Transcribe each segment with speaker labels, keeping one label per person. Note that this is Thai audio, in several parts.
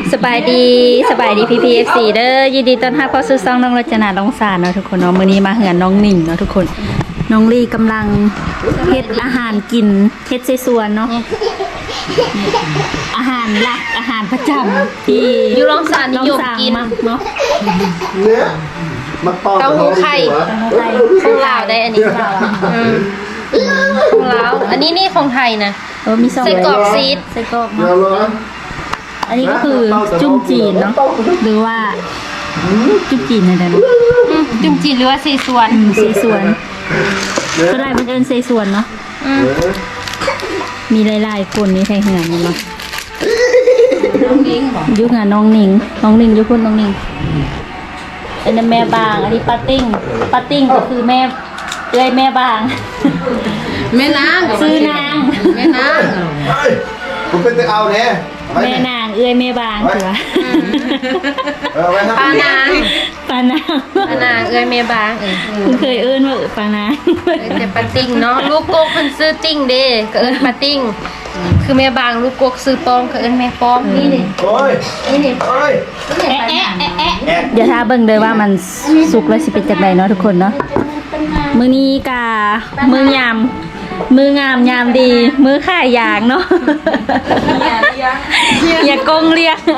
Speaker 1: สบายดีพี่พีเอฟซีเด้อยินดีต้อนรับเข้าสู่ช่องน้องรจนาลงสารเนาะทุกคนเนาะมื้อนี้มาเหือนน้องหนิงเนาะทุกคนน้องลี่กำลังเฮ็ดอาหารกินเฮ็ดใส่สวนเนาะอาหารหลักอาหารประจำที่
Speaker 2: อยู่ลงสารนิยมกิน
Speaker 1: เนาะ
Speaker 2: เต้าหู้ไข่ของลาวได้อันนี้ของลาวอันนี้นี่ของไทยนะ
Speaker 1: มี2
Speaker 2: ไส้กรอกซีด
Speaker 1: ไส้กรอกเนาะอันนี้ก็คือจุ่มจีนเนาะหรือว่าจุ่มจีนอะไรนะ
Speaker 2: จุ่มจีนหรือว่าซีส่วน
Speaker 1: เซซวนก็ได้มันเอินเซซวนเนาะมีหลายๆคนนี่ใครเหือนนี่เนาะยุคงานน้องหนิงยุคคนน้องหนิงอันนั้นแม่บางอันนี้ป้าติ้งก็คือแม่แม่บาง
Speaker 2: แม่นาง
Speaker 1: ซื้อนาง
Speaker 2: แม่นาง
Speaker 3: ผมเป็นเอาเนี่ย
Speaker 1: แม่นางแม่บางเถอะ
Speaker 2: ปานาง
Speaker 1: ปานาง
Speaker 2: แม่บาง
Speaker 1: คุณเคยเอิ้นว่าปานาง
Speaker 2: แต่ปาติ้งเนาะลูกกกเพิ่นซื้อติ้งเด้ก็เอิ้นปาติ้งคือแม่บางลูกกกซื้อปองก็เอิ้นแม่ปองนี่นี่
Speaker 3: โอ้ย
Speaker 2: นี่
Speaker 3: โอ้ย
Speaker 1: เดี๋ยวถ้าเบิ่งเลยว่ามันสุกแล้วสิเป็นจังไดเนาะทุกคนเนาะมื้อนี้กะมื้อยามมืองามยามดีมือข่ายยางเนาะอย่ากงเรียก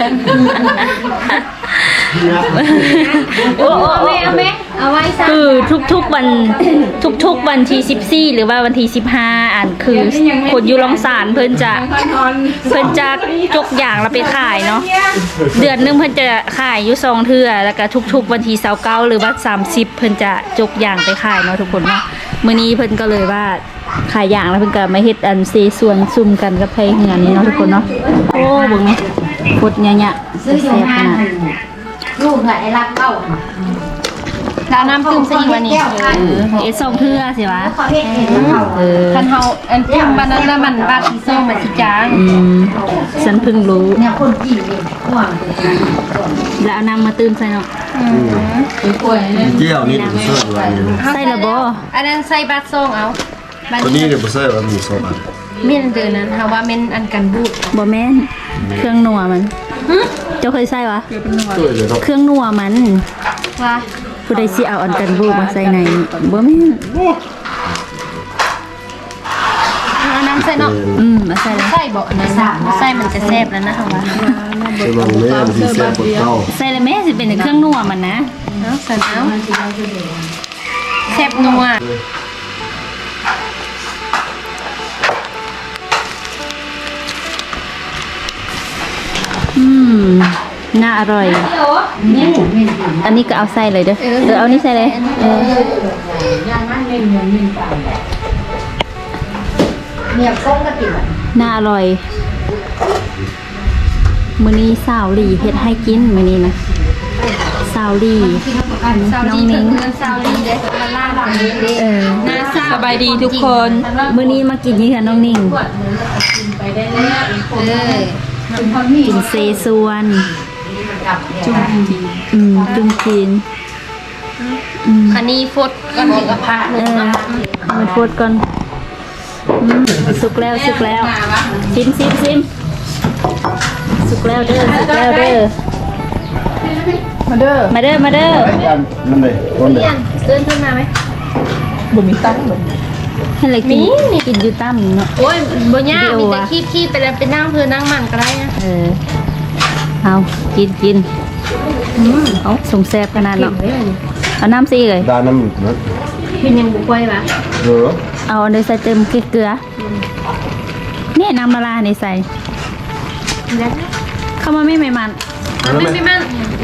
Speaker 1: โอ้แม่
Speaker 2: เอาไว้ซะ
Speaker 1: คือทุกๆวันที่14หรือว่าวันที่15อันคือคนอยู่ลองสารเพิ่นจะจกอย่างแล้วไปขายเนาะเดือนนึงเพิ่นจะขายอยู่2เทื่อแล้วก็ทุกๆวันที่29หรือว่า30เพิ่นจะจกอย่างไปขายเนาะทุกคนเนาะมื้อนี้เพิ่นก็เลยว่าขายอย่างแล้วเพิ่นก็มาเฮ็ดอันเซส่วนซุ่มกันกับไผเหือนนี่เนาะทุกคนเนาะโอ้เบิ่งแม่พดยะๆแซ่บขนาด
Speaker 4: ลูกไอ้รักเต้า
Speaker 2: แล้วน้ำตื้มใส่อีกวันนี้
Speaker 1: 2เทื่อสิวะ
Speaker 4: เขาเห็นเขา
Speaker 2: คันเฮาอันตื้มวันนั้นน่ะมันบาดที่ส้มมันสิจาง
Speaker 1: ฉันเพิ่งรู้
Speaker 4: เนี่ยคนจีนเนี่ยห่วง
Speaker 1: แล้วเอาน้ำมาตื้มใส่เนาะ
Speaker 3: เกี่ยวนี่ผมเสิร์ฟไว้
Speaker 1: ใส่ละบ่
Speaker 2: อันนั้นใส่บาดซองเอาบาด
Speaker 3: ตัวนี้เนี่ยผมเสิร์ฟว่ามีโซบะ
Speaker 2: เม่นเดือนนั้นเฮาว่าเม่นอันกันบูด
Speaker 1: บ่แม่นเครื่องนัวมันเจ้าเคยใส่วะ
Speaker 3: ช่วยเลยครับ
Speaker 1: เครื่องนัวมัน
Speaker 2: ว่า
Speaker 1: ผู้ใดสิเอาอันกันบูมาใส่ในบ่แม่น
Speaker 2: เอาน้ำใส่เนาะ
Speaker 1: มาใส่เลย
Speaker 2: ใส่บ่อันนั้นใส่มันจะแซ่บแล้วนะเฮาว่า
Speaker 3: ใช่ลองแม่มันที่แซ่บกว่าเต้า
Speaker 1: ใส่แล้วแม่สิเป็นเครื่องนัวมันนะ
Speaker 2: เอาใส่เอาแซ่บนัว
Speaker 1: น่าอร่อยอันนี้ก็เอาใส่เลยเด้อเอานี่ใส่เลย
Speaker 4: เนี่ยก้มกระติบ
Speaker 1: น่าอร่อยมื้อนี้สาวหลีเฮ็ดให้กินมื้อนี้นะสาวหลี
Speaker 2: ซาวดีเพิ่นเงินซาวดีเด้มันล่าหลังนี้เด้หน้าซาว
Speaker 1: สบายดีทุกคนมื้อนี้มากินนี่ค่ะน้องนิ่งกินเซซวนจุ่มจีน
Speaker 2: อันนี้ฟดก่อนกับผ้า
Speaker 1: มันพูดก่อนสุกแล้วชิมสุกแล้วเด้อมาเด้อ
Speaker 3: มันเลยคนเลย
Speaker 2: เดินขึ้นมาไหม
Speaker 1: ให้อะไรกินอยู่ตั้มเนาะ
Speaker 2: โอ้ยบ่ยากมีแต่คีบไปแล้วไปนั่งเพื่อนั่งมันก็ได้นะ
Speaker 1: เอากินเอาส่งแซ่บขนาดเนาะเอาน้ำซีเลย
Speaker 3: ดาน้ำนะ
Speaker 2: เป็นยังบุกไว้ปะ
Speaker 1: เอาในใส่เติมเกลือเนี่ยน้ำละลายในใส่เข้ามาไม่มัน
Speaker 2: ไม่มัน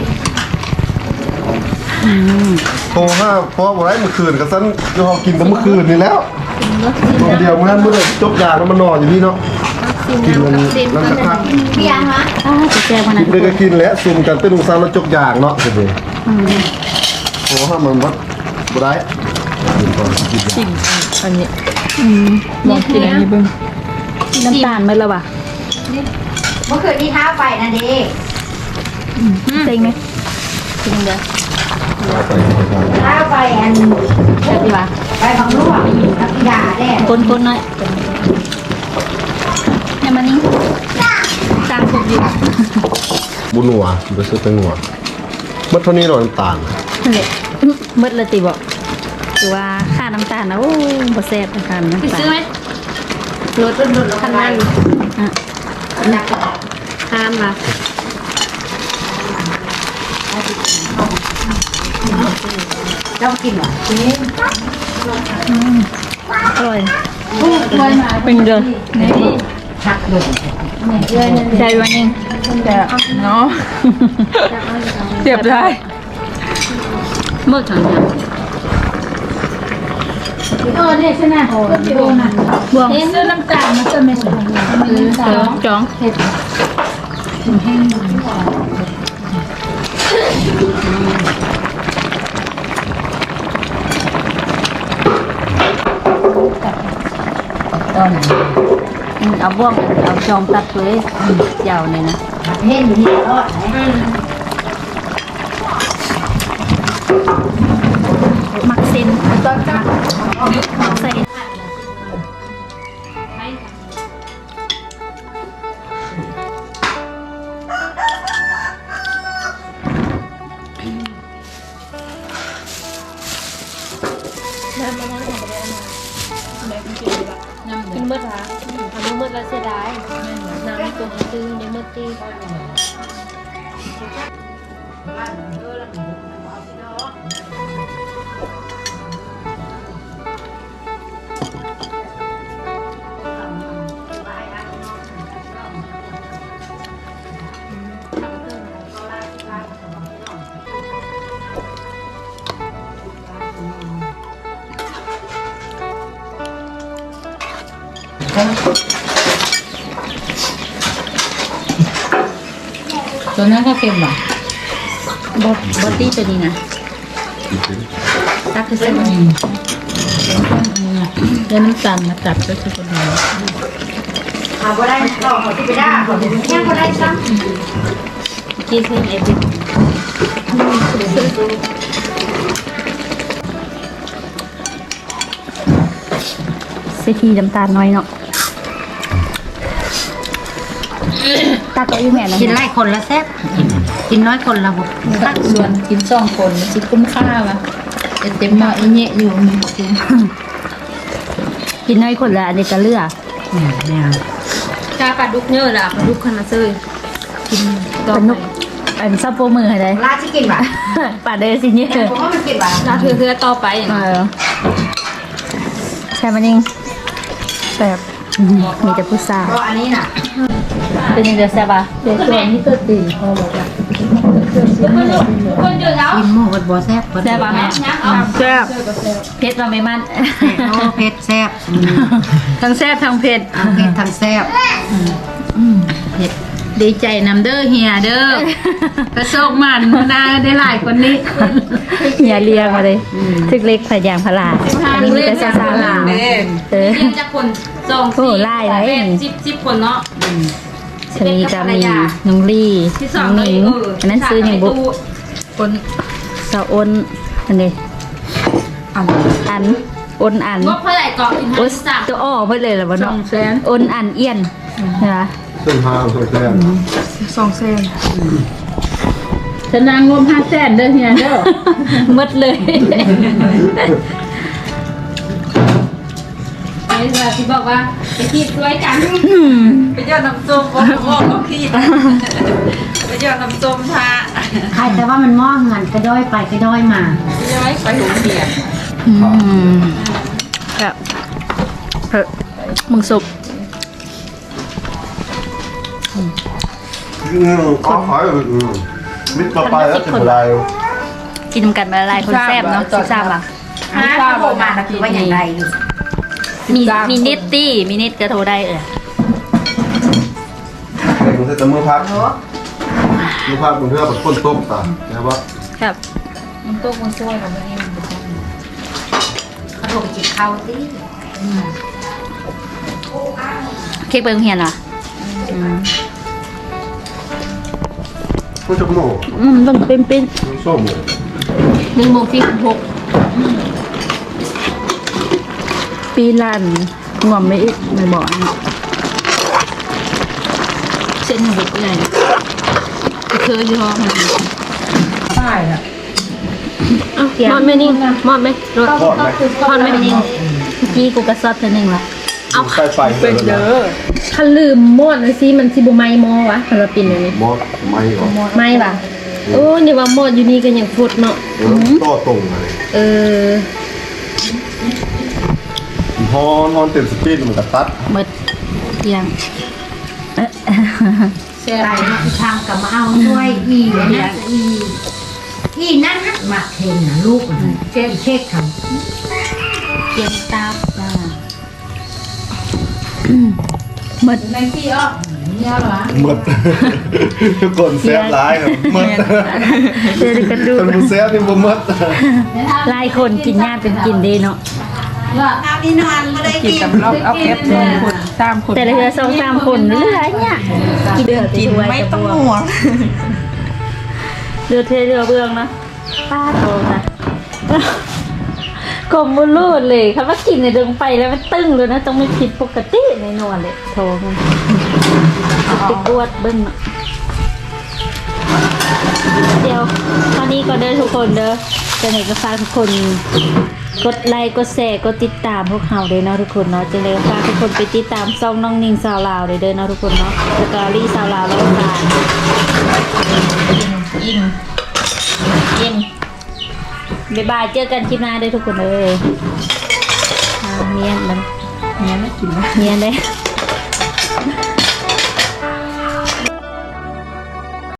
Speaker 3: โทรห้าเพราะว่าไรเมื่อคืนกับซันเรากินแต่เมื่อคืนนี่แล้วตัวเดียวเมื่อจบยาแล้วมันนอนอยู่นี่เนาะกินมันแล้วสักพัก
Speaker 4: เบียร์ฮะ
Speaker 1: จะแซ่บขนาด
Speaker 3: กินเลยก็กินแล้วซุ่มกันเป็นลุงซานแล้วจกยางเนาะสิเลยโอ้ห้ามันวัดบ่ได้กิน
Speaker 2: อันนี้
Speaker 1: ลองกินอันนี้เบิ้งน้ำตาลไหมล่ะวะ
Speaker 4: เมื่อคืนที่ท้าไปนะเด็ก
Speaker 1: เต็งไหม
Speaker 2: จริงเด้อ
Speaker 4: ท้าไปอัน
Speaker 1: แซ่บดีวะ
Speaker 4: ไปบางลูกนักกีฬาแน่
Speaker 1: คนหน่อยให้มานี่ตามถูกอยู่
Speaker 3: บุญหัวไปซื้อเป็นหัวเมื่อเท่านี้หน่อยน้ำตาล
Speaker 1: นั่นแหละมืดเลยติบอกคือว่าค่าน้ำตาลนะโอ้บ่แซ่บนะคะน้ำตาล
Speaker 2: ซื้อไหมรถคันนั้น
Speaker 1: อ่ะ
Speaker 2: ห้ามมา
Speaker 4: เจ้ากินเหรอ
Speaker 1: อร่อยเป็นเดือน
Speaker 4: ชักเลย
Speaker 1: ใจวันเอง
Speaker 2: เนาะเจ็บได้
Speaker 1: มืดถังเนี่ย
Speaker 4: เนี่ยใช่ไหมโอ้โหนะ
Speaker 1: บวง
Speaker 4: เสื้อน้ำตาลมันจะไม่สวย
Speaker 1: จ้องเอาบ่วงเอาจองตัดเลยยาวเลยนะ
Speaker 4: เห็นอยู่ที่ตลอดไหน
Speaker 1: มักเส้นมักใส่กินเมื่อไหร่ทำเมื่อแล้วเสียดายน้ำตัวซื้อในเมื่อตี
Speaker 4: ตัวนั้นก็เค็มหรอบ
Speaker 1: อดี้ตัวนี้นะตักคือเส้น
Speaker 4: เดี๋ยวน้ำตาลมาจับก็คือคนเดียวหาบ่ได้ต่อที่ไปได้ยังบ่ได้ซ้ำ
Speaker 1: ที่เส้นเอฟิเซทีน้ำตาลน้อยเนาะตักก็อีแม่นะ
Speaker 4: กินไล่คนละแซ่บกินน้อยคนละบุตัก
Speaker 5: ส่วนกิน2 คนสิคุ้มค่าวะเต็มมาอีเนี่ยอยู่มีจริง
Speaker 1: กินน้อยคนละอันนี้ก็เลือก
Speaker 4: เนี่ย
Speaker 2: ชาปลาดุกเยอะละปลาดุกคันละเซยกิน
Speaker 1: ปลานุกอันซับโปมือให้ได้
Speaker 4: ลาที่กินบ่
Speaker 1: ปลาเดซิเนี่ย
Speaker 4: ผมว่ามันกินบ่
Speaker 2: ลาเทือต่อไป
Speaker 1: ใช่มันยิงแบบมีแต่ผู้สาว
Speaker 4: เพราะอันนี้น่ะ
Speaker 1: เป็นยังไงแซ่บอ่ะ
Speaker 5: ๆแต่ตัวนี้ตัวตีพอบอกว่า
Speaker 2: คนเยอะแล้ว
Speaker 4: กินหมูกับบ่แซ่บ
Speaker 1: แซ่บอ่ะแม่แซ่บเผ็ดเราไม่มัน
Speaker 4: โอ้เผ็ดแซ่บ
Speaker 1: ทั้งแซ่บทั้งเผ็ด
Speaker 4: เผ็ดทั้งแซ่บ
Speaker 5: ดีใจนำเด้อเฮียเด้อ กระโชกมันนาได้หลายคนนี้
Speaker 1: อย่าเรียงมาเลยทึกเล็กพยางพลาอันนี้มีแต่ซาซาลาเออ
Speaker 2: เรียนจากคน2
Speaker 1: โอ้ไล่เลย
Speaker 2: 10คนเนาะ
Speaker 1: ชนีกามีน้องลี่
Speaker 2: ที่
Speaker 1: น้อง
Speaker 2: 2
Speaker 1: หนิงอันนั้นซื้ออย่างบุก
Speaker 5: คน
Speaker 1: สาวอ้นอันนี้อันอ้นอัน
Speaker 2: งบเท่าไหร่ก็กิน
Speaker 1: โอ้
Speaker 2: ให้3
Speaker 1: ตัวอ้อเพื่อเลยเหรอวะเนาะ
Speaker 5: 200,000
Speaker 1: อ้นอันเอี้ยนนะคะ
Speaker 3: เส้นทางเส้นแซ่บ
Speaker 5: ฉันนางงม500,000เด้อเฮียเด้อ
Speaker 1: หมดเลย
Speaker 2: ไอ้ที่บอกว่าไปที่สวยจัง
Speaker 6: ไปยอดน้ำส้มบอกเขาขี้ไปยอดน้ำส้มพระ
Speaker 4: ใครแต่ว่ามันมอเงินกระด้อยไปกระด้อยมา
Speaker 6: ย้อยไปหุงเดีย
Speaker 1: ครับมึงสุก
Speaker 3: ก็ขายมิตรต่อไปแล้วจะเป็นไร
Speaker 1: กินกันมาละลายคนแซ่บเนาะ13อ่ะ
Speaker 4: ถ้าโทรมาก็คือว่าอย่างไรอยู่
Speaker 1: มีนิตตี้มีนิตก็โทรได้
Speaker 3: เด็กมันจะมือพักมือพักมันเพื่อแบบก้นต้มตาใช่ปะ
Speaker 1: ครับ
Speaker 5: มันตกมันช่วยของมันเอง
Speaker 4: เขาโทรไปจิบข้าวสิ
Speaker 1: เค้กเบิงเฮียนเหรอ
Speaker 3: ก็จะโม่
Speaker 1: ต้องเป็น
Speaker 3: ส้มเลย
Speaker 2: 1:46
Speaker 1: ปีลันงวมไม่ไม่บอกอันนี้
Speaker 5: เส้นบุกใหญ่เคยอยู่ห้อง
Speaker 4: ป้ายอ่ะ
Speaker 2: เอ้ามอดไหมนิ่งมอดไหมรถ
Speaker 3: ทอดไหม
Speaker 2: ทอดไหมนิ่ง
Speaker 1: เมื่อกี้กูกระซอดตัวหนึ่งละ
Speaker 3: ใส่ไฟเลยนะ
Speaker 2: ถ้าลืมมอดเลยสิมันสิบ่ไหม้หม้อวะสำหรับปิ่นอันนี้
Speaker 3: มอสไม่ก่อน
Speaker 2: ไหม้ป่ะโอ้นี่ว่ามอดอยู่นี่ก็ยังฟุดเนาะ
Speaker 3: ต่อตรงอะไร
Speaker 2: เออ
Speaker 3: ฮอนเต็มสปีดมันก็ตัด
Speaker 1: หมดเที่ยง
Speaker 4: ไปทางกับมาเอาช่วยอีนะอีนั่นนะมาเทนนะลูกเช็คเช็คทำ
Speaker 1: เกียงตาบจ้าหมด
Speaker 4: ในที่อ้อเนี่ยเหรอ
Speaker 3: หมดทุกคนแซ่บร้ายครับหมด
Speaker 1: เดี๋ยวกันดู
Speaker 3: คนผู้แซ่บนี่บ่หมด
Speaker 1: หลายคนกินยากเป็นกินเด้เนาะ
Speaker 6: เอานี่นอนไม่ได้
Speaker 5: กิน
Speaker 6: กิน
Speaker 5: กับเราเอาแคปคนตามคน
Speaker 1: แต่ละเดือน2-3 คนเหลือเนี่ยกินเดือด
Speaker 6: กินไม่ต้องห่วง
Speaker 1: เดือดเทเรือเบืองนะป้าโตนะกลมบุรูดเลยคำว่ากินในเดิงไปแล้วมันตึงเลยนะต้องไม่ผิดปกติในนวลเลยโทรมันติดอวดเบิ้งเนาะเดี๋ยวตอนนี้ก็เด้อทุกคนเด้อจะไหนก็ฝากทุกคนกดไลค์กดแชร์กดติดตามพวกเราเลยเนาะทุกคนเนาะจะเลยฝากทุกคนไปติดตามซ่องน้องนิ่งสาวลาวเลยเด้อเนาะทุกคนเนาะสตอรี่สาวลาวแล้วกันอิ่มบ๊ายบายเจอกันคลิปหน้าเด้อทุกคนเลยเมียนมัน
Speaker 5: เนี่ยไม่กินนะ
Speaker 1: เมียนเลย